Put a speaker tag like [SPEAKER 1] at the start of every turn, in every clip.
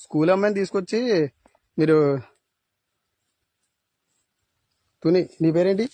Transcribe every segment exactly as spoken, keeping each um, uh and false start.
[SPEAKER 1] School అమ్మాయిని తీసుకొచ్చి మీరు తుని నీ పేరేంటి?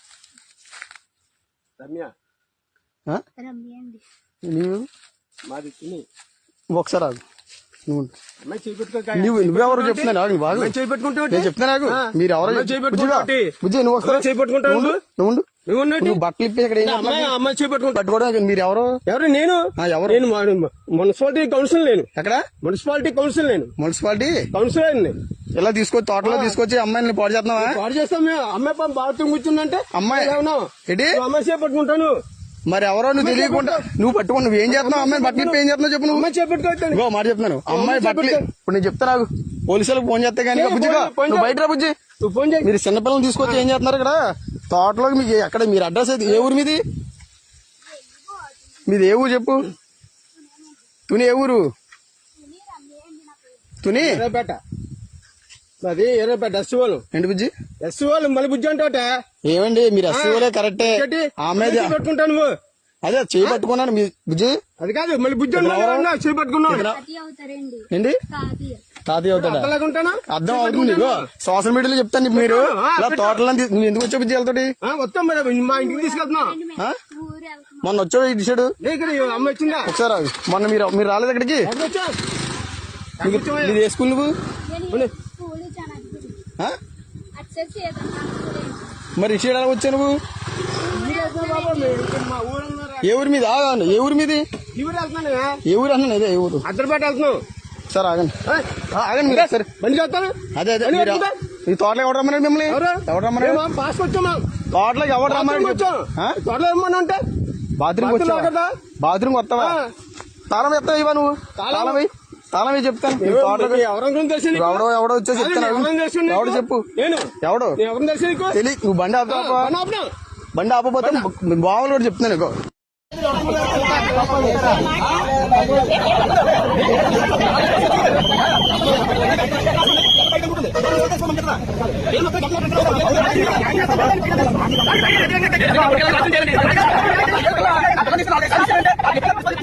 [SPEAKER 2] రమ్య.
[SPEAKER 1] ఆ? నీవు
[SPEAKER 2] మాది తుని.
[SPEAKER 1] ఒకసారి ఆగు. నువ్వు
[SPEAKER 2] అమ్మాయి చేపెట్టుకో.
[SPEAKER 1] నువ్వు నువ్వెవరో చెప్తున్నా నాకు బాగు
[SPEAKER 2] చేపెట్టుకుంటా
[SPEAKER 1] నేను చెప్తున్నా నాకు మీరు ఎవరో బుజ్జి నువ్వు ఒకసారి
[SPEAKER 2] చేపెట్టుకుంటావు.
[SPEAKER 1] నువ్వు నువ్వు బట్టలు ఇప్పి ఇక్కడ
[SPEAKER 2] అమ్మాయి చేపెట్టుకుంటా.
[SPEAKER 1] పట్టుకోవడం మీరు ఎవరు?
[SPEAKER 2] ఎవరు? నేను
[SPEAKER 1] ఎవరు?
[SPEAKER 2] నేను మున్సిపాలిటీ కౌన్సిల్. నేను
[SPEAKER 1] ఎక్కడ?
[SPEAKER 2] Municipality council. నేను
[SPEAKER 1] మున్సిపాలిటీ
[SPEAKER 2] కౌన్సిలర్. నేను
[SPEAKER 1] ఇలా తీసుకొచ్చి తోటలో తీసుకొచ్చి అమ్మాయిని పాడు చేస్తున్నావా?
[SPEAKER 2] పాడు చేస్తాం మేము. అమ్మాయి పాపం బాత్రూమ్ కూర్చుందంటే
[SPEAKER 1] అమ్మాయి
[SPEAKER 2] ఏంటి అమ్మాయి చేపట్టుకుంటాను.
[SPEAKER 1] మరి ఎవరో నువ్వు తెలియకుండా నువ్వు పట్టుకుని నువ్వు ఏం చేస్తున్నావు? అమ్మాయి బట్టలు ఇప్పి ఏం చేస్తున్నావు చెప్పు. నువ్వు
[SPEAKER 2] అమ్మాయి చేపెట్టుకోవచ్చు.
[SPEAKER 1] ఇంకో మాట చెప్తున్నాను. అమ్మాయి బట్టలు ఇప్పుడు నేను చెప్తా నాకు పోలీసులకు ఫోన్ చేస్తే కానీ బుజ్జిగా నువ్వు బయట రా బుజ్జి.
[SPEAKER 2] నువ్వు ఫోన్ చేయి.
[SPEAKER 1] మీరు చిన్నపిల్లలు తీసుకొచ్చి ఏం చేస్తున్నారు ఇక్కడ తోటలో? మీకు ఎక్కడ మీరు అడ్రస్ అయితే ఏ ఊరు మీది? మీది ఏ ఊరు చెప్పు. తుని ఏ ఊరు? తుని
[SPEAKER 2] ఎర్రపేట. అది ఎర్రపేట ఎస్ వాళ్ళు.
[SPEAKER 1] ఏంటి బుజ్జి?
[SPEAKER 2] ఎస్ వాళ్ళు మళ్ళీ బుజ్జి అంటే
[SPEAKER 1] ఏమండి మీరు ఎస్సీఓలే కరెక్టే. ఆమె
[SPEAKER 2] పెట్టుకుంటాను నువ్వు.
[SPEAKER 1] అదే చేయి పట్టుకున్నాను మీ బుజ్జి.
[SPEAKER 2] అది కాదు మళ్ళీ బుజ్జి చేయి పట్టుకున్నావు.
[SPEAKER 1] ఏంటి తాతయ్య అవుతాడా? అర్థం అవుతుంది. సోషల్ మీడియాలో చెప్తాను మీరు ఇలా తోటలో నువ్వు ఎందుకు వచ్చావు బుజ్జి వెళ్తాడు?
[SPEAKER 2] వస్తాం మరి మా ఇంటికి తీసుకెళ్తున్నావు.
[SPEAKER 1] మొన్న వచ్చావు ఈ డిసైడ్
[SPEAKER 2] అమ్మ వచ్చిందా?
[SPEAKER 1] ఒకసారి మొన్న మీరు మీరు రాలేదు ఇక్కడికి? ఇది ఏ స్కూల్ నువ్వు? మరి ఇటు ఎలా వచ్చావు నువ్వు? ఏ ఊరి మీద? ఏ ఊరి మీది? ఏ ఊరు అన్నా? అదే ఏ ఊరు?
[SPEAKER 2] అద్దరిపేట వెళ్తున్నావు.
[SPEAKER 1] సార్ ఆగండి ఆగండి మీరు సరే
[SPEAKER 2] బండి చేస్తాను.
[SPEAKER 1] అదే అదే ఈ తోటలోకి ఎవరు రమ్మన్నాడు మిమ్మల్ని? ఎవరు రమ్మన్నాడు?
[SPEAKER 2] పాస్ వచ్చామా?
[SPEAKER 1] తోటలోకి ఎవరు రమ్మన్నాడు?
[SPEAKER 2] తోటలో ఏమన్నా అంటే
[SPEAKER 1] బాత్రూమ్ వచ్చా? బాత్రూమ్ వస్తావా? తాళం ఎత్తావు ఇవా నువ్వు? తాళం వేయి తాళం వేయి చెప్తాను. ఎవడో ఎవడో వచ్చా చెప్తాను. ఎవడు చెప్పు. ఎవడు తెలియ నువ్వు బండి ఆపుతావా? బండి ఆపపోతే బావులు కూడా చెప్తున్నాను. నీకు
[SPEAKER 3] ఏం